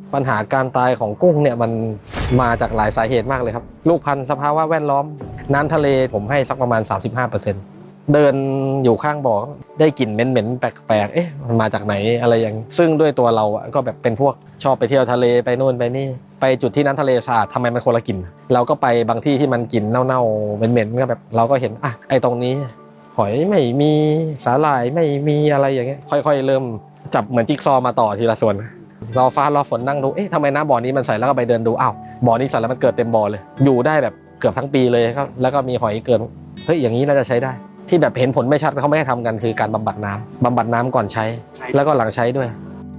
ปัญหาการตายของกุ้งเนี่ยมันมาจากหลายสาเหตุมากเลยครับลูกพันธุ์สภาวะแวดล้อมน้ำทะเลผมให้สักประมาณ 35%เดินอยู่ข้างบ่อได้กลิ่นเหม็นๆแปลกๆเอ๊ะมันมาจากไหนอะไรอย่างซึ่งด้วยตัวเราก็แบบเป็นพวกชอบไปเที่ยวทะเลไปโน่นไปนี่ไปจุดที่น้ำทะเลสะอาดทำไมมันคนละกลิ่นเราก็ไปบางที่ที่มันกลิ่นเน่าๆเหม็นๆก็แบบเราก็เห็นอ่ะไอ้ตรงนี้หอยไม่มีสาหร่ายไม่มีอะไรอย่างเงี้ยค่อยๆเริ่มจับเหมือนจิ๊กซอว์มาต่อทีละส่วนรอฟ้ารอฝนนั่งดูเอ๊ะทำไมน้ำบ่อนี้มันใสแล้วก็ไปเดินดูอ้าวบ่อนี้ใสแล้วมันเกิดเต็มบ่อเลยอยู่ได้แบบเกือบทั้งปีเลยครับแล้วก็มีหอยเกินเฮ้ยอย่างนี้น่าจะใช้ได้ที่แบบเห็นผลไม่ชัดเขาไม่ให้ทำกันคือการบำบัดน้ำก่อนใช้แล้วก็หลังใช้ด้วย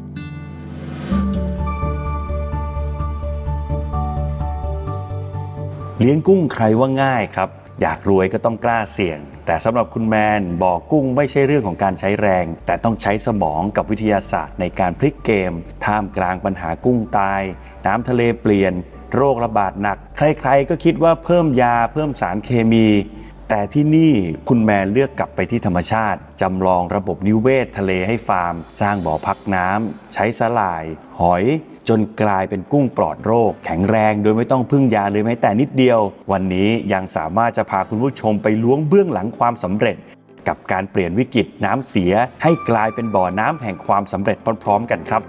เลี้ยงกุ้งใครว่าง่ายครับอยากรวยก็ต้องกล้าเสี่ยงแต่สำหรับคุณแมนบ่อกุ้งไม่ใช่เรื่องของการใช้แรงแต่ต้องใช้สมองกับวิทยาศาสตร์ในการพลิกเกมท่ามกลางปัญหากุ้งตายน้ำทะเลเปลี่ยนโรคระบาดหนักใครๆก็คิดว่าเพิ่มยาเพิ่มสารเคมีแต่ที่นี่คุณแมนเลือกกลับไปที่ธรรมชาติจำลองระบบนิเวศทะเลให้ฟาร์มสร้างบ่อพักน้ำใช้สลายหอยจนกลายเป็นกุ้งปลอดโรคแข็งแรงโดยไม่ต้องพึ่งยาเลยแม้แต่นิดเดียววันนี้ยังสามารถจะพาคุณผู้ชมไปล้วงเบื้องหลังความสำเร็จกับการเปลี่ยนวิกฤตน้ำเสียให้กลายเป็นบ่อน้ำแห่งความสำเร็จพร้อมๆกันครับ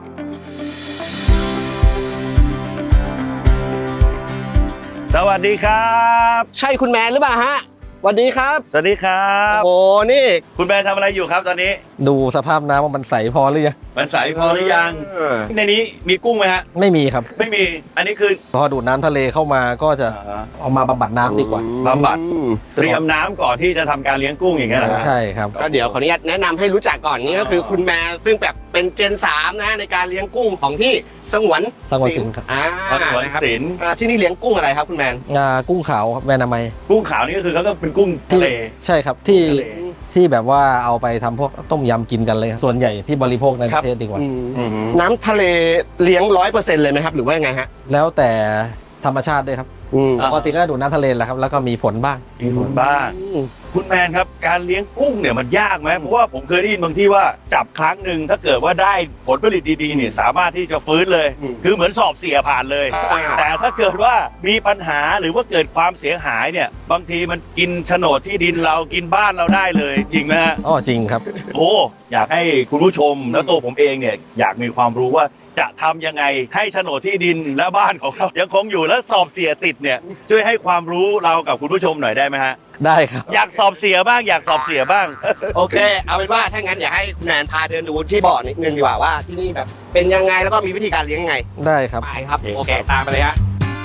สวัสดีครับใช่คุณแมนหรือเปล่าฮะสวัสดีครับสวัสดีครับโอ้นี่คุณแมนทำอะไรอยู่ครับตอนนี้ดูสภาพน้ำว่ามันใสพอหรือยังมันใสพอหรือยังในนี้มีกุ้งไหมฮะไม่มีครับไม่มีอันนี้คือพอดูดน้ำทะเลเข้ามาก็จะเอามาบำบัดน้ำดีกว่าบำบัดเตรียมน้ำก่อนที่จะทำการเลี้ยงกุ้งอย่างเงี้ยเหรอใช่ครับก็เดี๋ยวขออนุญาตแนะนำให้รู้จักก่อนนี่ก็คือคุณแมนซึ่งแบบเป็นเจน3นะในการเลี้ยงกุ้งของที่สงวนศิลป์สงวนศิลป์ที่นี่เลี้ยงกุ้งอะไรครับคุณแมนกุ้งขาวแม่นามัยกุ้งขาวนี่ก็คือเขาก็เป็นกุ้งทะเลใช่ครับที่แบบว่าเอาไปทำพวกต้มยำกินกันเลยส่วนใหญ่ที่บริโภคในประเทศดีกว่าน้ำทะเลเลี้ยง 100% เลยไหมครับหรือว่ายังไงฮะแล้วแต่ธรรมชาติด้วยครับปกติก็ดูดน้ำทะเลแหละครับแล้วก็มีฝนบ้างคุณแมนครับการเลี้ยงกุ้งเนี่ยมันยากไหมเพราะว่าผมเคยได้ยินบางที่ว่าจับครั้งหนึ่งถ้าเกิดว่าได้ผลผลิตดีๆเนี่ยสามารถที่จะฟื้นเลยคือเหมือนสอบเสียผ่านเลยแต่ถ้าเกิดว่ามีปัญหาหรือว่าเกิดความเสียหายเนี่ยบางทีมันกินโฉนดที่ดินเรากินบ้านเราได้เลยจริงไหมฮะอ๋อจริงครับโอ้อยากให้คุณผู้ชมแล้วตัวผมเองเนี่ยอยากมีความรู้ว่าจะทำยังไงให้โฉนดที่ดินและบ้านของเรายังคงอยู่และสอบเสียติดเนี่ยช่วยให้ความรู้เรากับคุณผู้ชมหน่อยได้ไหมฮะได้ครับอยากสอบเสียบ้างอยากสอบเสียบ้างโอเคเอาเป็นว่าถ้างั้นอยากให้คุณแนนพาเดินดูที่บ่อนิดนึงดีกว่าว่าที่นี่แบบเป็นยังไงแล้วก็มีวิธีการเลี้ยงยังไงได้ครับไปครับโอเคตามไปเลยฮะ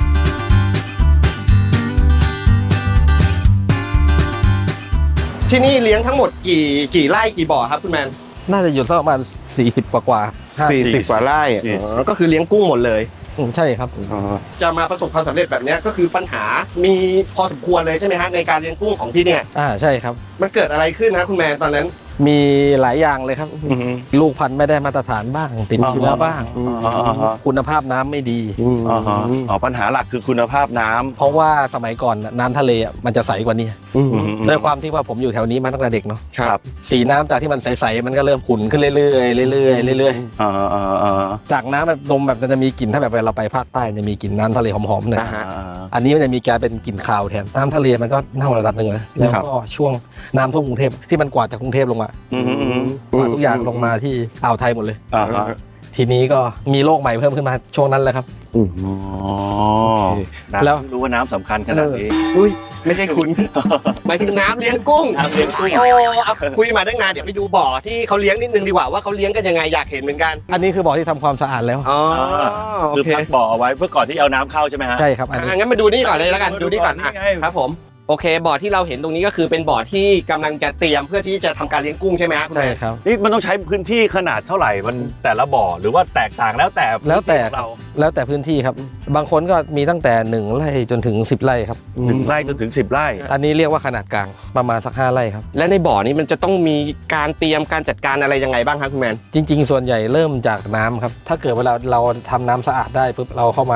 ที่นี่เลี้ยงทั้งหมดกี่ไร่กี่บ่อครับคุณแมนน่าจะอยู่สักประมาณ40กว่า 40 กว่าไร่ก็คือเลี้ยงกุ้งหมดเลยใช่ครับจะมาประสบความสำเร็จแบบนี้ก็คือปัญหามีพอสมควรเลยใช่ไหมฮะในการเลี้ยงกุ้งของที่เนี่ยใช่ครับมันเกิดอะไรขึ้นนะคุณแมนตอนนั้นมีหลายอย่างเลยครับลูกพันธุ์ไม่ได้มาตรฐานบ้างติดเชื้อบ้างคุณภาพน้ำไม่ดีปัญหาหลักคือคุณภาพน้ำเพราะว่าสมัยก่อนน้ำทะเลมันจะใสกว่านี้ด้วยความที่ว่าผมอยู่แถวนี้มาตั้งแต่เด็กเนาะสีน้ำจากที่มันใสๆมันก็เริ่มขุ่นขึ้นเรื่อยๆจากน้ำแบบนมแบบจะมีกลิ่นถ้าแบบเวลาเราไปภาคใต้จะมีกลิ่นน้ำทะเลหอมๆหน่อยอันนี้มันจะมีการเป็นกลิ่นคาวแทนน้ำทะเลมันก็เน่าระดับหนึ่งเลยแล้วก็ช่วงน้ำท่วมกรุงเทพที่มันกวาดจากกรุงเทพลงมากวาดทุกอย่างลงมาที่อ่าวไทยหมดเลยทีนี้ก็มีโรคใหม่เพิ่มขึ้นมาช่วงนั้นแหละครับแล้วรู้ว่าน้ำสำคัญขนาดนี้อุ้ยไม่ใช่คุณหมายถึงน้ำเลี้ยงกุ้งโอ้คุยมาตั้งนานเดี๋ยวไปดูบ่อที่เขาเลี้ยงนิดนึงดีกว่าว่าเขาเลี้ยงกันยังไงอยากเห็นเหมือนกันอันนี้คือบ่อที่ทำความสะอาดแล้วคือพักบ่อเอาไว้เพื่อก่อนที่เอาน้ำเข้าใช่ไหมฮะใช่ครับงั้นมาดูนี่ก่อนเลยแล้วกันดูนี่ก่อนครับผมโอเคบ่อที่เราเห็นตรงนี้ก็คือเป็นบ่อที่กำลังจะเตรียมเพื่อที่จะทำการเลี้ยงกุ้งใช่ไหมครับใช่ครับนี่มันต้องใช้พื้นที่ขนาดเท่าไหร่มันแต่ละบ่อหรือว่าแตกต่างแล้วแต่พื้นที่ครับบางคนก็มีตั้งแต่1 ไร่จนถึง10 ไร่ครับ 1 ไร่จนถึง10 ไร่อันนี้เรียกว่าขนาดกลางประมาณสัก5 ไร่ครับและในบ่อนี้มันจะต้องมีการเตรียมการจัดการอะไรยังไงบ้างครับคุณแมนจริงๆส่วนใหญ่เริ่มจากน้ำครับถ้าเกิดเวลาเราทำน้ำสะอาดได้ปุ๊บเราเข้ามาอย่างเงี้ย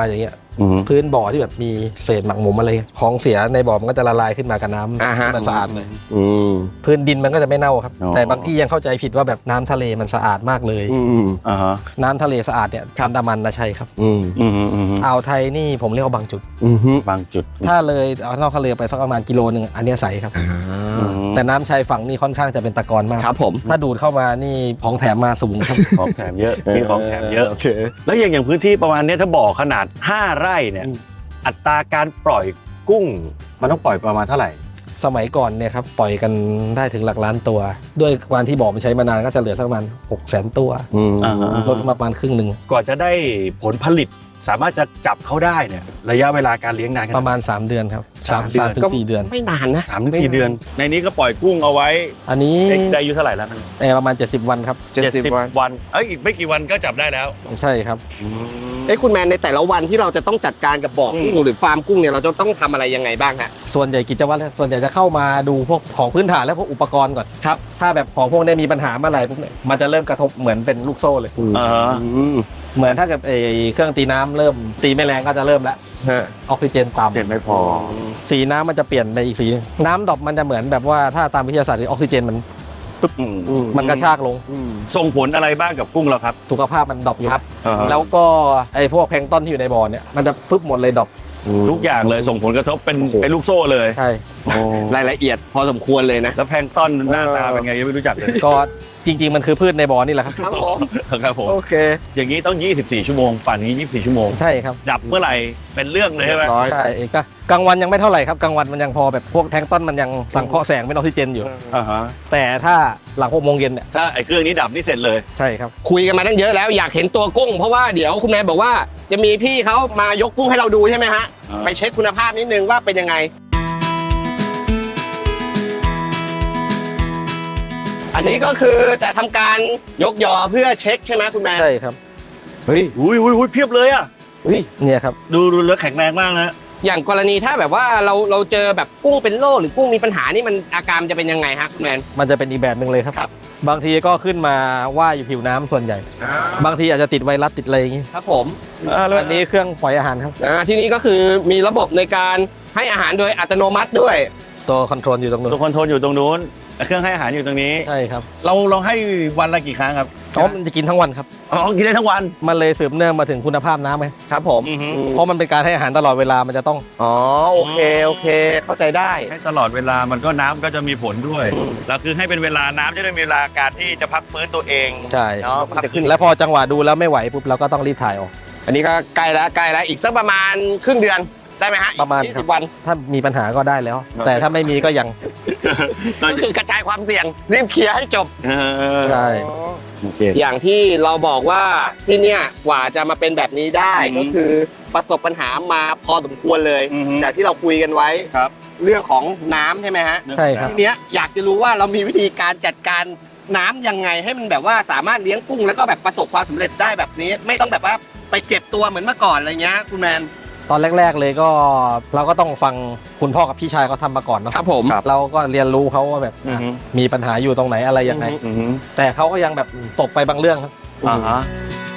อืมพื้นบ่อที่แบบมีเศษหมักหมมอะไรของเสียในบ่อมันก็จะละลายขึ้นมากับน้ำอ่าฮะมันสะอาดเลยอืมพื้นดินมันก็จะไม่เน่าครับอ๋อแต่บางที่ยังเข้าใจผิดว่าแบบน้ำทะเลมันสะอาดมากเลยอืมอ่าฮะน้ำทะเลสะอาดเนี่ยอันดามันนะใช่ครับอืมอืมอืมอ่าวไทยนี่ผมเรียกว่าบางจุดอืมบางจุดถ้าเลยเอานอกทะเลไปสักประมาณกิโลนึงอันเนี้ยใสครับอ่าแต่น้ำชายฝั่งนี่ค่อนข้างจะเป็นตะกอนมากครับผมถ้าดูดเข้ามานี่ของแถมมาสูงครับของแถมเยอะมีของแถมเยอะโอเคแล้วอย่างพื้นที่ประมาณเนี้ยถ้าบ่อขนาด 5 ไร่เนี่ยอืมอัตราการปล่อยกุ้ง มันต้องปล่อยประมาณเท่าไหร่สมัยก่อนเนี่ยครับปล่อยกันได้ถึงหลักล้านตัว ด้วยการที่บ่อมันใช้มานานก็จะเหลือสักประมาณ600,000 ตัวอืมอ่าฮะลดมาประมาณครึ่งหนึ่งก่อนจะได้ผลผลิตสามารถจะจับเขาได้เนี่ยระยะเวลาการเลี้ยงนานแค่ปไหนระมาณ 3 เดือนครับสามเดือนถึง 4 เดือนไม่นานนะ 3-4 เดือน ในนี้ก็ปล่อยกุ้งเอาไว้อันนี้ได้อายุเท่าไหร่แล้วมันประมาณ 70 วันครับ 70 วันวันอีกไม่กี่วันก็จับได้แล้วใช่ครับคุณแมนในแต่ละวันที่เราจะต้องจัดการกับบ่อกุ้งหรือฟาร์มกุ้งเนี่ยเราจะต้องทำอะไรยังไงบ้างฮะส่วนใหญ่กิจวัตรส่วนใหญ่จะเข้ามาดูพวกของพื้นฐานและพวกอุปกรณ์ก่อนครับถ้าแบบของพวกนี้มีปัญหาเมื่อไหร่ปุ๊บเนี่ยมันจะเริ่มกระทบเหมือนเป็นลูกโซ่เลยอ่าฮะเหมือนถ้าเกิดเครื่องตีน้ำเริ่มตีไม่แรงก็จะเริ่มแล้วฮะออกซิเจนต่ำเจ็ดไม่พอสีน้ำมันจะเปลี่ยนไปอีกสีหนึ่งน้ำดรอปมันจะเหมือนแบบว่าถ้าตามวิทยาศาสตร์คือออกซิเจนมันมันกระชากลงส่งผลอะไรบ้างกับกุ้งเราครับสุขภาพมันดรอปอยู่ครับอ่าฮะแล้วก็ไอ้พวกแพลงก์ต้นที่อยู่ในบ่อเนี่ยมันจะปึ๊บหมดเลยดรอปทุกอย่างเลยส่งผลกระทบเป็นโอ้โหเป็นลูกโซ่เลยใช่รายละเอียดพอสมควรเลยนะแล้วแพลงก์ต้นหน้าตาเป็นไงยังไม่รู้จักเลยก็จริง ๆ มันคือพืชในบ่อนี่แหละครับครับผมครับผมโอเคอย่างนี้ต้อง 24 ชั่วโมงป่านนี้ 24 ชั่วโมงใช่ครับดับเมื่อไหร่เป็นเรื่องเลยใช่ไหมร้อยใช่ก็กลางวันยังไม่เท่าไหร่ครับกลางวันมันยังพอแบบพวกแพลงก์ต้นมันยังสังเคราะห์แสงเป็นออกซิเจนอยู่อ่าฮะแต่ถ้าหลัง6 โมงเย็นเนี่ยถ้าไอ้เครื่องนี้ดับนี่เสร็จเลยใช่ครับคุยกันมาตั้งเยอะแล้วอยากเห็นตัวกุ้ง เพราะว่าเดี๋ยวคุณแมนบอกว่าจะมีพี่เขามายกกุ้งให้เราดูใช่ไหมฮะอ่าไปเช็คคุณภาพนิดนึงว่าเป็นยังไง อันนี้ก็คือจะทำการยกยอเพื่อเช็คใช่ไหมคุณแมนใช่ครับเฮ้ยอุ้ยเพียบเลยอ่ะเฮ้ยเนี่ยครับดูแล้วแข็งแรงมากนะอย่างกรณีถ้าแบบว่าเราเจอแบบกุ้งเป็นโรคหรือกุ้งมีปัญหานี่มันอาการมันจะเป็นยังไงฮะคุณแมนมันจะเป็นอีกแบบหนึ่งเลยครับครับบางทีก็ขึ้นมาว่ายอยู่ผิวน้ำส่วนใหญ่ บางทีอาจจะติดไวรัสติดอะไรอย่างงี้ครับผมอันนี้เครื่องปล่อยอาหารครับที่นี้ก็คือมีระบบในการให้อาหารโดยอัตโนมัติด้วยตัวคอนโทรลอยู่ตรงนู้ตัวน คอนโทรลอยู่ตรงนู้นเครื่องให้อาหารอยู่ตรงนี้ใช่ครับเราให้วันละกี่ครั้งครับมันจะกินทั้งวันครับอ๋อกินได้ทั้งวันมันเลยสืบเนื่องมาถึงคุณภาพน้ำไงครับผมอือฮึเพราะมันเป็นการให้อาหารตลอดเวลามันจะต้องอ๋อโอเคเข้าใจได้ให้ตลอดเวลามันก็น้ำก็จะมีผลด้วยแล้วคือให้เป็นเวลาน้ำจะได้มีเวลาการที่จะพักฟื้นตัวเองใช่เนาะพักขึ้นแล้วพอจังหวะดูแล้วไม่ไหวปุ๊บเราก็ต้องรีบถ่ายออกอันนี้ก็ใกล้แล้วอีกสักประมาณครึ่งเดือนได้ไหมฮะประมาณ 20 วันถ้ามีปัญหาก็ได้แล้ว แต่ถ้าไม่มีก็ยังก็คือกระจายความเสี่ยงรีบเคลียร์ให้จบใช่โอเคอย่างที่เราบอกว่าที่เนี่ยกว่าจะมาเป็นแบบนี้ได้อือฮึก็คือประสบปัญหามาพอสมควรเลยอือฮึจากที่เราคุยกันไว้ครับเรื่องของน้ำใช่ไหมฮะใช่ครับทีเนี้ยอยากจะรู้ว่าเรามีวิธีการจัดการน้ำยังไงให้มันแบบว่าสามารถเลี้ยงกุ้งแล้วก็แบบประสบความสำเร็จได้แบบนี้ ไม่ต้องแบบว่าไปเจ็บตัวเหมือนเมื่อก่อนอะไรเงี้ยคุณแมนตอนแรก ๆเลยก็เราก็ต้องฟังคุณพ่อกับพี่ชายเขาทำมาก่อนเนาะครับผมเราก็เรียนรู้เขาว่าแบบอือฮึมีปัญหาอยู่ตรงไหนอะไรยังไงอือฮึแต่เขาก็ยังแบบตกไปบางเรื่องครับอ่าฮะ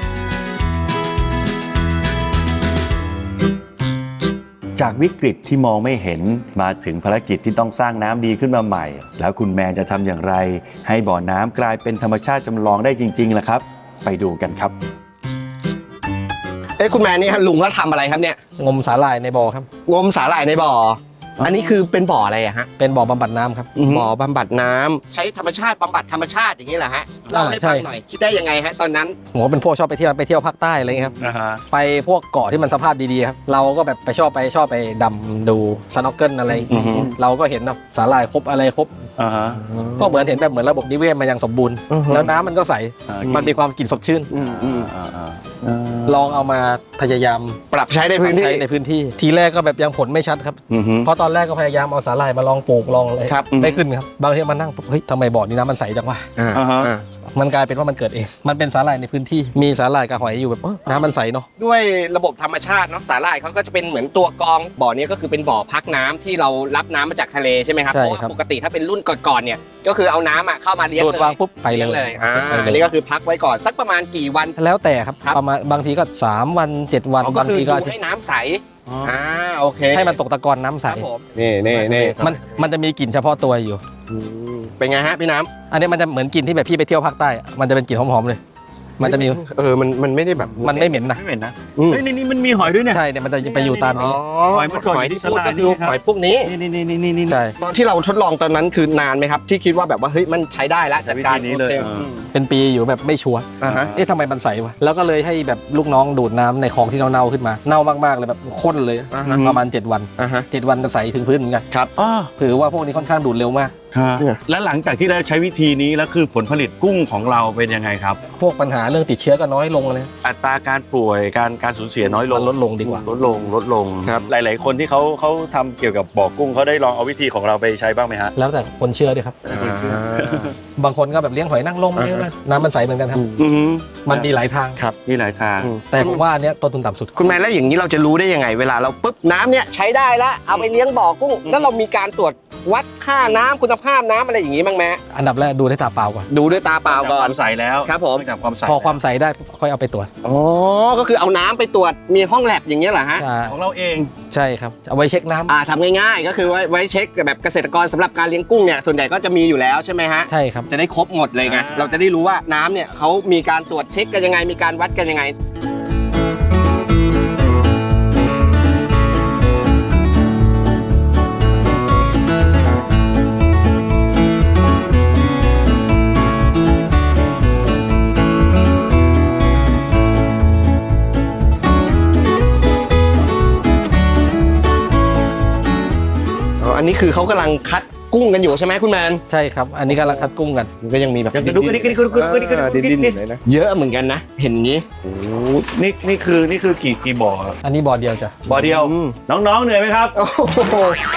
จากวิกฤตที่มองไม่เห็นมาถึงภารกิจที่ต้องสร้างน้ำดีขึ้นมาใหม่ แล้วคุณแมนจะทำอย่างไร ให้บ่อน้ำกลายเป็นธรรมชาติจำลองได้จริงๆล่ะครับ ไปดูกันครับคุณแมนนี่ฮะลุงเขาทำอะไรครับเนี่ยงมสาหร่ายในบ่อครับงมสาหร่ายในบ่อ อันนี้คือเป็นบ่ออะไรอะฮะเป็นบ่อบำบัดน้ำครับบ่อบำบัดน้ำใช้ธรรมชาติบำบัดธรรมชาติอย่างนี้เหรอฮะเล่าให้ฟังหน่อยคิดได้ยังไงฮะตอนนั้นผมก็เป็นพวกชอบไปเที่ยวภาคใต้อะไรเงี้ยครับนะฮะไปพวกเกาะที่มันสภาพดีๆครับ เราก็แบบชอบไปดำดูสน็อกเกิลอะไรอือฮึเราก็เห็นแบบสาหร่ายครบอะไรครบอ่าฮะก็เหมือนเห็นแบบเหมือนระบบนิเวศมันยังสมบูรณ์อือฮึแล้วน้ำมันก็ใส มันมีความกลิ่นสดชื่น ลองเอามาพยายามปรับใช้ในพื้นที่ใช้ในพื้นที่ ทีแรกก็แบบยังผลไม่ชัดครับอือฮึเพราะตอนแรกก็พยายามเอาสาหร่ายมาลองปลูกลองอะไรครับไม่ขึ้นครับ บางทีมานั่งเฮ้ยทำไมบ่อนี้น้ำมันใสจังวะอ่าอ่าฮะอ่ามันกลายเป็นว่ามันเกิดเองมันเป็นสาหร่ายในพื้นที่มีสาหร่ายกับหอยอยู่แบบน้ำมันใสเนาะด้วยระบบธรรมชาติเนาะสาหร่ายเขาก็จะเป็นเหมือนตัวกรองบ่อนี้ก็คือเป็นบ่อพักน้ำที่เรารับน้ำมาจากทะเลใช่ไหมครับใช่เพราะว่าครับปกติถ้าเป็นรุ่นก่อนๆเนี่ยก็คือเอาน้ำเข้ามาเลี้ยงตรวจเลวางยปุ๊บไปเลยอันนี้ก็คือพักไว้ก่อนสักประมาณกี่วันแล้วแต่ครับครับประมาณบางทีก็3วัน7วันก็บางคือทีดูก็ให้น้ำใสโอเคให้มันตกตะกอนน้ำใสครับผมนี่มันจะมีกลิ่นเฉพาะตัวอยู่เป็นไงฮะพี่น้ำอันนี้มันจะเหมือนกลิ่นที่แบบพี่ไปเที่ยวภาคใต้อะมันจะเป็นกลิ่นหอมๆเลย มันจะมีมันไม่ได้แบบมันไม่เหม็นนะไม่เหม็นนะอืมเฮ้ยนี่มันมีหอยด้วยเนี่ยใช่เนี่ยมันจะไปอยู่ตามอ๋นี้อหอยเมื่อก่อนหอยที่พูดที่ก็คือฉลาดนี่ครับหอยพวกนี้นี่ใช่ตอนที่เราทดลองตอนนั้นคือนานไหมครับ ที่คิดว่าแบบว่าเฮ้ยมันใช้ได้แล้วจัดการวิธีนี้เลยโอคเป็นปีอยู่แบบไม่ชัวร์อ่าฮะเอ๊ะทำไมมันใสวะแล้วก็เลยให้แบบลูกน้องดูดน้ำในคลองที่เน่าๆขึ้นมาเน่ามากๆเลยแบบข้นเลยอ่าฮะประมาณ7 วันอ่าฮะ 7 วันก็ใสถึงพื้นเหมือนกันอ๋อถือว่าพวกนี้ค่อนข้างดูดเร็วมากฮะแล้วหลังจากที่เราใช้วิธีนี้แล้วคือผลผลิตกุ้งของเราเป็นยังไงครับพวกปัญหาเรื่องติดเชื้อก็น้อยลงเลยอัตราการป่วยการสูญเสียน้อยลมังนลดลงดีกว่าลดลงครับหลาย ๆ คนที่เขาทำเกี่ยวกับบ่อกุ้งเขาได้ลองเอาวิธีของเราไปใช้บ้างไหมฮะแล้วแต่คนเชื่อด้วยครับ บางคนก็แบบเลี้ยงหอยนางรมอ่าฮะเลี้ยงอะไรน้ำมันใสเหมือนกันครับอืมมันมีหลายทางมีหลายทางแต่ผมว่าอันเนี้ยต้นทุนต่ำสุดคุณแม่แล้วอย่างนี้เราจะรู้ได้ยังไง เวลาเราปุ๊บน้ำเนี่ยใช้ได้แล้วเอาไปเลี้ยงบ่อกุ้ง แล้วเรามีการตรวจวัดค่าน้ำคุณภาพน้ำอะไรอย่างนี้บ้างไหมอันดับแรกดูด้วยตาเปล่าก่อนดูด้วยตาเปล่าก่คอนวามใสแล้วครับผมจากความใสพอความใสได้ค่อยเอาไปตรวจอ๋อก็คือเอาน้ำไปตรวจมีห้องแลบอย่างเงี้ยเหรอฮะใช่ของเราเองใช่ครับเอาไว้เช็คน้ำทำง่ายๆ ก็คือไว้เช็คแบบเกษตรกรสำหรับการเลี้ยงกุ้งเนี่ยส่วนใหญ่ก็จะมีอยู่แล้วใช่ไหมฮะใช่ครับจะได้ครบหมดเลยไงเราจะได้รู้ว่าน้ำเนี่ยเขามีการตรวจเช็คกันยังไงมีการวัดกันยังไง อันนี้คือเขากำลังคัดกุ้งกันอยู่ใช่ไหมคุณแมนใช่ครับ อันนี้กำลังคัดกุ้งกันมันก็ยังมีแบบอยากจะดูกันดิ้นๆอยู่เลยนะเยอะเหมือนกันนะ เห็นอย่างนี้นี่คือกี่บ่อครับอันนี้บ่อเดียวจ้ะบ่อเดียวอืมน้องๆเหนื่อยไหมครับโอ้โห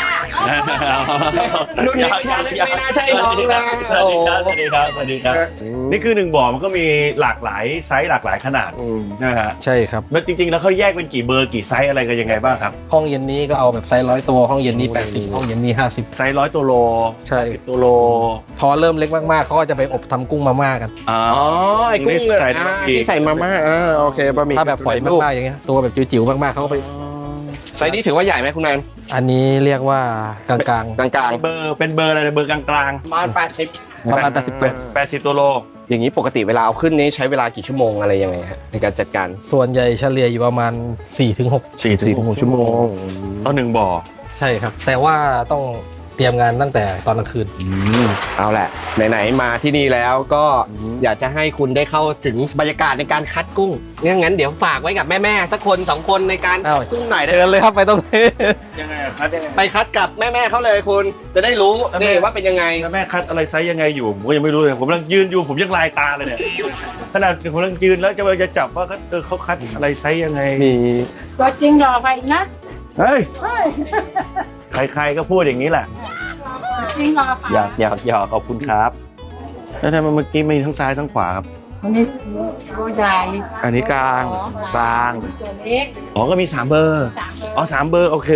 รุ่นนี้ไม่น่าใช่น้องนะสวัสดีครับนี่คือ1บ่อมันก็มีหลากหลายไซส์หลากหลายขนาดนะฮะใช่ครับแล้วจริงๆแล้วเขาแยกเป็นกี่เบอร์กี่ไซส์อะไรกันยังไงบ้างครับห้องเย็นนี้ก็เอาแบบไซส์100 ตัวห้องเย็นนี้80ห้องเย็นนี้50 ไซส์100 ตัวโลใช่ 10 ตัวโลพอเริ่มเล็กมากๆเขาก็จะไปอบทำกุ้งมาม่ากันอ๋อไอ้กุ้งเลยใส่ในบะหมี่ที่ใส่มาม่าโอเคบะหมี่ถ้าแบบฝอยมากๆอย่างเงี้ยตัวแบบจิ๋วๆมากๆเขาก็ไปไซส์นี้ถือว่าใหญ่ไหมคุณแมนอันนี้เรียกว่ากลางกลางเป็นเบอร์อะไรเบอร์กลางๆประมาณ80 80 ตัวโลๆอย่างนี้ปกติเวลาเอาขึ้นนี้ใช้เวลากี่ชั่วโมงอะไรยังไงฮะในการจัดการส่วนใหญ่เฉลี่ยอยู่ประมาณ 4-6 4-6 ชั่วโมงต่อ1บ่อใช่ครับ แต่ว่าต้องเตรียมงานตั้งแต่ตอนกลางคืนเอาแหละไหนๆมาที่นี่แล้วก็อยากจะให้คุณได้เข้าถึงบรรยากาศในการคัดกุ้งงั้นเดี๋ยวฝากไว้กับแม่ๆสักคน2คนในการคัดกุ้งหน่อยได้เดินเลยครับไปตรงนี้ยังไงครับยังไงไปคัดกับแม่ๆเขาเลยคุณจะได้รู้แล้วนี่ว่าเป็นยังไงแล้วแม่คัดอะไรไซส์ยังไงอยู่ผมก็ยังไม่รู้เลยผมกำลังยืนอยู่ผมยังลายตาเลยเนี่ยขนาดผมกำลังยืนแล้วจะจับว่าเขาคัดอะไรไซส์ยังไงมีตัวจริงหล่อไปนะเฮ้ยใครๆก็พูดอย่างนี้แหละจริงหล่อไปอยากขอบคุณครับแล้วทำไมเมื่อกี้มีทั้งซ้ายทั้งขวาครับอันนี้ตัวใหญ่อันนี้กลางตัวเล็กอ๋อก็มี3เบอร์ 3 อ๋อ3เบอร์โอเค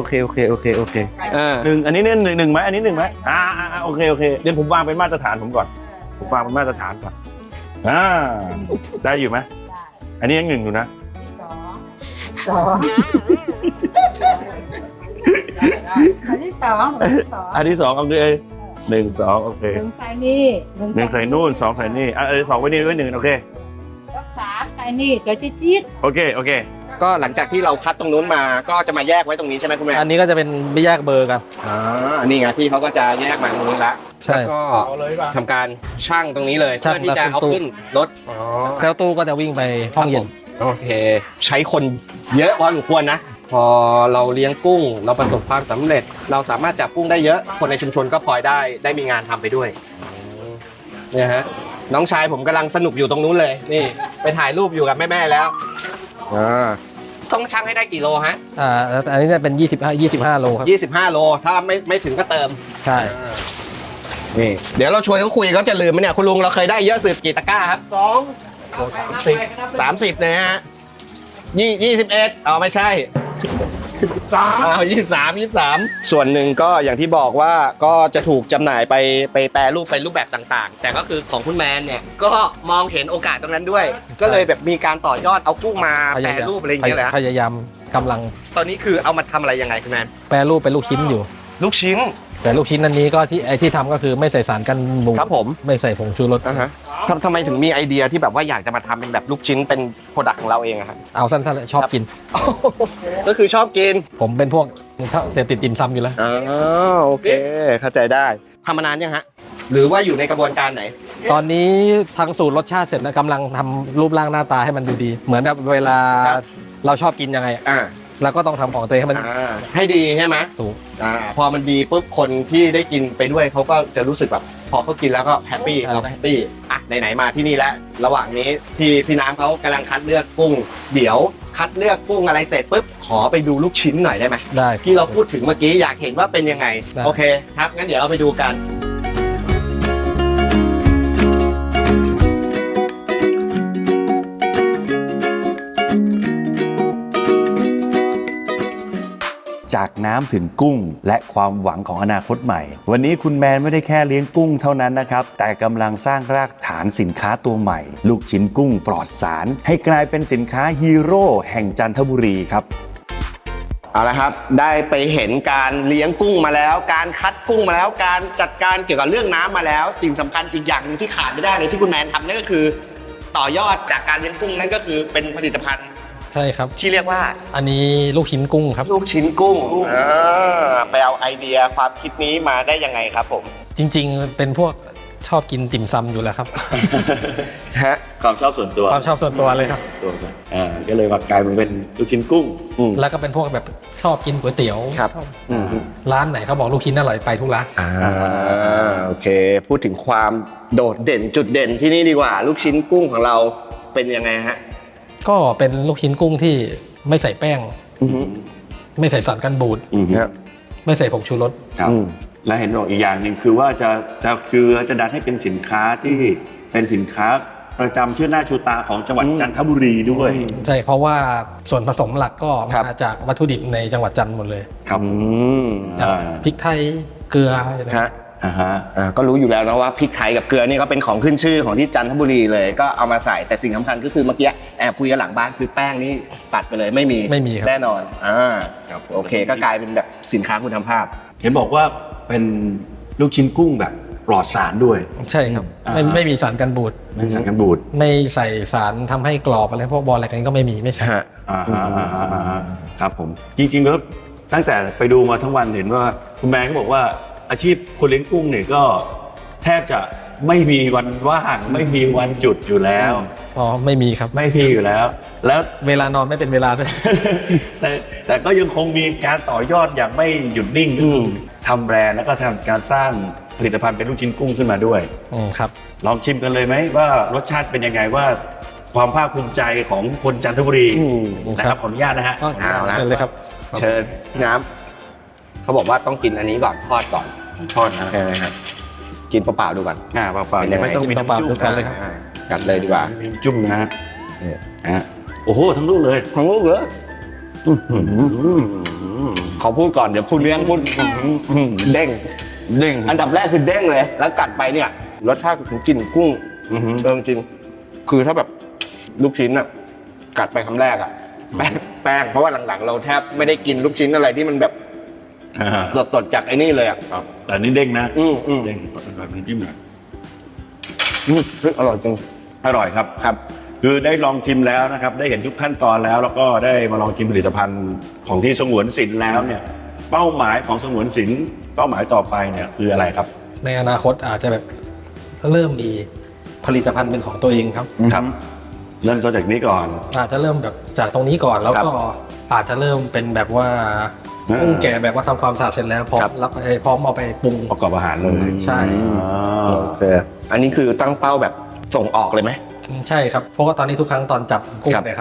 อันนี้เนี่ยหนึ่งไหมอันนี้1ไหมโอเคเดี๋ยวผมวางเป็นมาตรฐานผมก่อนผมวางเป็นมาตรฐานก่อนได้อยู่ไหมอันนี้ยัง1อยู่นะ 2อันที่สองอันที่2โอเค1 2โอเค 1ใส่นี่ 1ใส่นู่น2ใส่นี่อันที่2ไว้นี่ไว้1โอเคแล้ว3ใส่นี่ตัวจี๊ดโอเคก็หลังจากที่เราคัดตรงนู้นมาก็จะมาแยกไว้ตรงนี้ใช่ไหมคุณแม่อันนี้ก็จะเป็นไม่แยกเบอร์กันนี่ไงพี่เขาก็จะแยกมาตรงนี้ละใช่แล้วก็ทำการชั่งตรงนี้เลยชั่งเพื่อที่จะเอาขึ้นรถแล้วตู้ก็จะวิ่งไปห้องเย็นโอเค ใช้คนเยอะพอสมควรนะ พอเราเลี้ยงกุ้ง เราประสบความสำเร็จ เราสามารถจับกุ้งได้เยอะ คนในชุมชนก็พลอยได้มีงานทำไปด้วยเนี่ยฮะน้องชายผมกำลังสนุกอยู่ตรงนู้นเลยนี่ไปถ่ายรูปอยู่กับแม่ๆแล้วต้องชั่งให้ได้กี่โลฮะแล้วอันนี้เนี่ยเป็น25โลครับ 25 โลถ้าไม่ถึงก็เติมใช่นี่เดี๋ยวเราชวนเขาคุยเขาจะลืมไหมเนี่ยคุณลุงเราเคยได้เยอะสุดกี่ตะกร้าครับ30นะฮะ21อ๋อไม่ใช่23ส่วนหนึ่งก็อย่างที่บอกว่าก็จะถูกจำหน่ายไปแปรรูปเป็นรูปแบบต่างๆ แต่ก็คือของคุณแมนเนี่ยก็มองเห็นโอกาสตรงนั้นด้วย ก็เลยแบบมีการต่อยอดเอากุ้งมาแปรรูปอะไรอย่างเงี้ยแหละพยายามกำลังตอนนี้คือเอามาทำอะไรยังไงคุณแมนแปรรูปเป็นลูกชิ้นอยู่ลูกชิ้นแต่ลูกชิ้นอันนี้ก็ที่ทำก็คือไม่ใส่สารกันบูดครับผมไม่ใส่ผงชูรสทำไมถึงมีไอเดียที่แบบว่าอยากจะมาทำเป็นแบบลูกชิ้นเป็นโปรดักต์ของเราเองอะครับเอาสั้นๆเลยชอบกินก็คือชอบกินผมเป็นพวกเสพติดติ่มซำอยู่แล้วอ๋อโอเคเข้าใจได้ทำมานานยังฮะหรือว่าอยู่ในกระบวนการไหนตอนนี้ทางสูตรรสชาติเสร็จแล้วกำลังทำรูปร่างหน้าตาให้มันดูดี เหมือนแบบเวลาครับเราชอบกินยังไงอะอ่าเราก็ต้องทำของตัวเองให้มันให้ดีใช่ไหมถูกพอมันดีปุ๊บคนที่ได้กินไปด้วยเขาก็จะรู้สึกแบบพอเขากินแล้วก็แฮปปี้เราก็แฮปปี้อ่ะไหนๆมาที่นี่แล้วระหว่างนี้ที่พี่น้ำเขากำลังคัดเลือกกุ้ง เดี๋ยวคัดเลือกกุ้งอะไรเสร็จปุ๊บขอไปดูลูกชิ้นหน่อยได้ไหมได้ที่เราพูดถึงเมื่อกี้อยากเห็นว่าเป็นยังไงได้โอเคครับงั้นเดี๋ยวเราไปดูกันจากน้ำถึงกุ้งและความหวังของอนาคตใหม่ วันนี้คุณแมนไม่ได้แค่เลี้ยงกุ้งเท่านั้นนะครับ แต่กำลังสร้างรากฐานสินค้าตัวใหม่ ลูกชิ้นกุ้งปลอดสาร ให้กลายเป็นสินค้าฮีโร่แห่งจันทบุรีครับเอาละครับได้ไปเห็นการเลี้ยงกุ้งมาแล้ว การคัดกุ้งมาแล้วการจัดการเกี่ยวกับเรื่องน้ำมาแล้ว สิ่งสำคัญอีกอย่างหนึงที่ขาดไม่ได้เลยที่คุณแมนทำนั่นก็คือ ต่อยอดจากการเลี้ยงกุ้งนั่นก็คือเป็นผลิตภัณฑ์ใช่ครับที่เรียกว่าอันนี้ลูกชิ้นกุ้งครับลูกชิ้นกุ้งไปเอาไอเดียความคิดนี้มาได้ยังไงครับผมจริงๆ เป็นพวกชอบกินติ่มซำอยู่แล้วครับฮะความชอบส่วนตัวความชอบส่วนตัวเลยครับก็เลยมากลายเป็นลูกชิ้นกุ้งแล้วก็เป็นพวกแบบชอบกินก๋วยเตี๋ยวครับร้านไหนเขาบอกลูกชิ้นอร่อยไปทุกร้านโอเค พูดถึงความโดดเด่นจุดเด่นที่นี่ดีกว่า ลูกชิ้นกุ้งของเราเป็นยังไงฮะก็เป็นลูกชิ้นกุ้งที่ไม่ใส่แป้ง ไม่ใส่สารกันบูดครับไม่ใส่ผงชูรสครับและเห็นบอกอีกอย่างหนึ่งคือว่าจะดันให้เป็นสินค้าที่เป็นสินค้าประจำชื่อหน้าชูตาของจังหวัดจันทบุรีด้วยใช่เพราะว่าส่วนผสมหลักก็ครับมาจากวัตถุดิบในจังหวัดจันทร์หมดเลยครับอย่างพริกไทยเกลืออะไรฮะก็ก็รู้อยู่แล้วนะว่าพริกไทยกับเกลือนี่ก็เป็นของขึ้นชื่อของที่จันทบุรีเลยก็เอามาใส่แต่สิ่งสำคัญก็คือเมื่อกี้แอบคุยกันหลังบ้านคือแป้งนี่ตัดไปเลยไม่มีครับแน่นอนครับโอเคก็กลายเป็นแบบสินค้าคุณภาพเห็นบอกว่าเป็นลูกชิ้นกุ้งแบบปลอดสารด้วยใช่ครับไม่มีสารกันบูดไม่มีสารกันบูดไม่ใส่สารทำให้กรอบอะไรพวกบอลอะไรกันก็ไม่มีไม่ใช่ครับผมจริงๆแล้วตั้งแต่ไปดูมาทั้งวันเห็นว่าคุณแม่ก็บอกว่าอาชีพคนเลี้ยงกุ้งเนี่ยก็แทบจะไม่มีวันว่างไม่มีวันหยุดอยู่แล้วอ๋อไม่มีครับไม่มีอยู่แล้ว แล้วเวลานอนไม่เป็นเวลาด้วยแต่ก็ยังคงมีการต่อยอดอย่างไม่หยุดนิ่งทำแบรนด์แล้วก็ทำการสร้างผลิตภัณฑ์เป็นลูกชิ้นกุ้งขึ้นมาด้วยครับลองชิมกันเลยไหมว่ารสชาติเป็นยังไงว่าความภาคภูมิใจของคนจันทบุรีนะครับขออนุญาตนะฮะเอาละเชิญเลยครับเชิญพี่น้ำเขาบอกว่าต้องกินอันนี้ก่อนทอดก่อนทอดใช่ไหมครับกินเปล่าๆดูก่อนเปล่าเป็นยังไงไม่ต้องมีน้ำเปล่าจุ่ๆมดูกันเลยครับกัดเลยดีกว่าไม่มีน้ำจุ่มนะฮะนี่โอ้โหทั้งลูกเลยของลูกเหรอขอพูดก่อนเดี๋ยวพูดเลี้ยงพูดเด้งเด้งอันดับแรกคือเด้งเลย แล้วกัดไปเนี่ยรสชาติของกลิ่นกุ้งจริงคือถ้าแบบลูกชิ้นอ่ะกัดไปคำแรกอ่ะแป้งเพราะว่าหลังๆ เราแทบไม่ได้กินลูกชิ้นอะไรที่มันแบบสดๆจากไอ้นี่เลยอ่ะครับแต่นี่เด้งนะเด้เด้งงแบบนี้จิ้มหน่อยอร่อยจริงอร่อยครับครับคือได้ลองชิมแล้วนะครับได้เห็นทุกขั้นตอนแล้วก็ได้มาลองชิมผลิตภัณฑ์ของที่สงวนศิลป์แล้วเนี่ยเป้าหมายของสงวนศิลป์เป้าหมายต่อไปเนี่ยคืออะไรครับในอนาคตอาจจะแบบเริ่มมีผลิตภัณฑ์เป็นของตัวเองครับครับเริ่มต้นจากนี้ก่อนอาจจะเริ่มแบบจากตรงนี้ก่อนแล้วก็อาจจะเริ่มเป็นแบบว่ากุ้งแก่แบบว่าทำความสะอาดเสร็จแล้วพร้อมพร้อมเอาไปปรุงประกอบอาหารเลยใช่โอเคอันนี้คือตั้งเป้าแบบส่งออกเลยไหมใช่ครับเพราะว่าตอนนี้ทุกครั้งตอนจับกุ้งครับเนี่ยครับ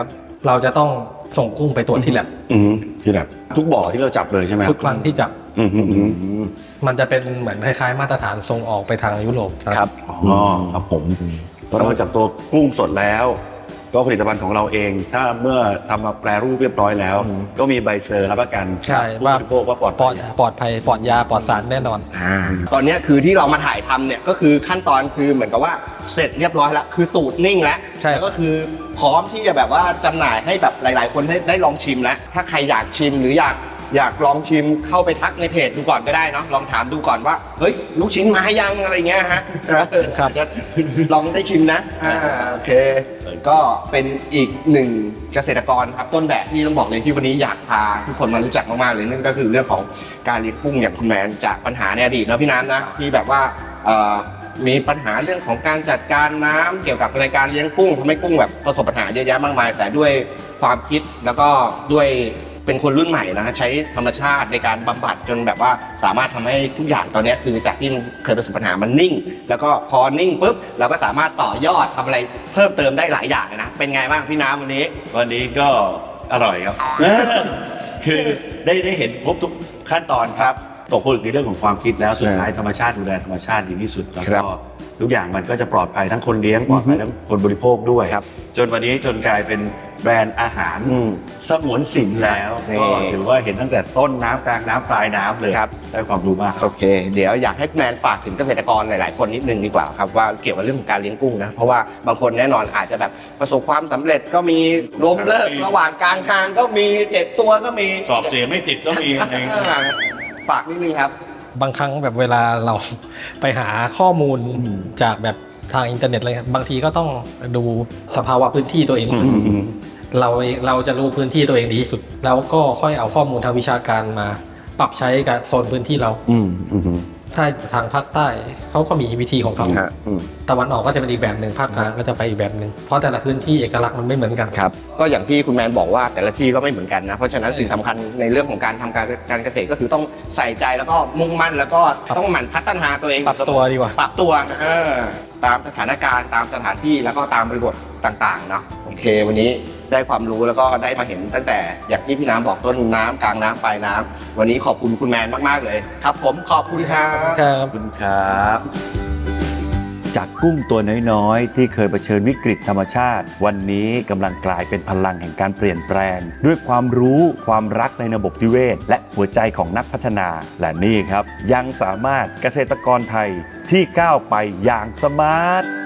เราจะต้องส่งกุ้งไปตรวจที่แลบที่แบบทุกบ่อที่เราจับเลยใช่ไหมทุกครั้งที่จับอืมมันจะเป็นเหมือนคล้ายๆมาตรฐานส่งออกไปทางยุโรปครับอ๋อครับผมนอกจากตัวกุ้งสดแล้ว ก็ผลิตภัณฑ์ของเราเอง ถ้าเมื่อทำมาแปรรูปเรียบร้อยแล้ว ก็มีใบเซอร์รับประกันใช่ผู้บริโภคว่าปลอดปลภัอย ดปลอดภัยปลอดยาปลอดสารแน่นอนตอนเนี้ยคือที่เรามาถ่ายทำเนี่ยก็คือขั้นตอนคือเหมือนกับว่าเสร็จเรียบร้อยแล้วคือสูตรนิ่งแล้วใช่แล้วก็คือพร้อมที่จะแบบว่าจำหน่ายให้แบบหลาย ๆ คนได้ลองชิมแล้วถ้าใครอยากชิมหรืออยากลองชิมเข้าไปทักในเพจดูก่อนก็ได้เนาะลองถามดูก่อนว่าเฮ้ยลูกชิ้นมาให้ยังอะไรเงี้ยฮะครับจะลองได้ชิมนะโอเคก็เป็นอีกหนึ่งเกษตรกรครับต้นแบบที่ต้องบอกเลยที่วันนี้อยากพาทุกคนมารู้จักมากๆเลยนั่นก็คือเรื่องของการเลี้ยงกุ้งอย่างคุณแมนจากปัญหาในอดีตเนาะพี่น้ำนะที่แบบว่ามีปัญหาเรื่องของการจัดการน้ำเกี่ยวกับในการเลี้ยงกุ้งทำให้กุ้งแบบประสบปัญหาเยอะแยะมากมาย แต่ด้วยความคิดแล้วก็ด้วยเป็นคนรุ่นใหม่นะใช้ธรรมชาติในการบำบัดจนแบบว่าสามารถทำให้ทุกอย่างตอนนี้คือจากที่เคยประสบปัญหามันนิ่ง แล้วก็พอนิ่งปุ๊บเราก็สามารถต่อยอดทำอะไรเพิ่มเติมได้หลายอย่างนะเป็นไงบ้างพี่น้ำวันนี้วันนี้ก็อร่อยครับ คือได้เห็นครบทุกขั้นตอนครับตกผลึกในเรื่องของความคิดแล้วสุดท้ายธรรมชาติดูแลธรรมชาติดีที่สุดแล้วครัก็บทุกอย่างมันก็จะปลอดภัยทั้งคนเลี้ยงปลอดภัยทั้งคนบริโภคด้วยครับจนวันนี้จนกลายเป็นแบรนด์อาหารสงวนสินแล้วนี่ก็ถือว่าเห็นตั้งแต่ต้นน้ำกลางน้ำปลายน้ำเลยครับได้ความรู้มากคโอรับเค เดี๋ยวอยากให้คุณแมนฝากถึงเกษตรกรหลาย ๆ คนนิดนึงดีกว่าครับว่าเกี่ยวกับเรื่องของการเลี้ยงกุ้งนะเพราะว่าบางคนแน่นอนอาจจะแบบประสบความสำเร็จก็มีล้มเลิกระหว่างกลางทางก็มีเจ็บตัวก็มีสอบเสียไม่ติดก็มีอะไรอย่างเงี้ยฝากนิดนึงครับบางครั้งแบบเวลาเราไปหาข้อมูลจากแบบทางอินเทอร์เน็ตอะไรครับบางทีก็ต้องดูสภาวะพื้นที่ตัวเอง เราจะรู้พื้นที่ตัวเองดีที่สุด แล้วก็ค่อยเอาข้อมูลทางวิชาการมาปรับใช้กับโซนพื้นที่เรา ถ้าทางภาคใต้เขาก็มีวิธีของเขา ตะวันออกก็จะเป็นอีกแบบหนึ่งภาคกลางก็จะไปอีกแบบหนึ่งเพราะแต่ละพื้นที่เอกลักษณ์มันไม่เหมือนกันครับก็อย่างที่คุณแมนบอกว่าแต่ละที่ก็ไม่เหมือนกันนะเพราะฉะนั้นสิ่งสำคัญในเรื่องของการทำการเกษตรก็คือต้องใส่ใจแล้วก็มุ่งมั่นแล้วก็ต้องหมั่นพัฒนาตัวเองปรับตัวดีกว่าปรับตัวตามสถานการณ์ตามสถานที่แล้วก็ตามบริบทต่างๆเนาะโอเค วันนี้ได้ความรู้แล้วก็ได้มาเห็นตั้งแต่อย่างที่พี่น้ำบอกต้นน้ำกลางน้ำปลายน้ำวันนี้ขอบคุณคุณแมนมากๆเลยครับ ผมขอบคุณครับครับขอบคุณครับ จากกุ้งตัวน้อยๆ ที่เคยเผชิญวิกฤตธรรมชาติ วันนี้กำลังกลายเป็นพลังแห่งการเปลี่ยนแปลง ด้วยความรู้ความรักในระบบนิเวศ และหัวใจของนักพัฒนา และนี่ครับ ยังสามารถเกษตรกรไทยที่ก้าวไปอย่างสมาร์ท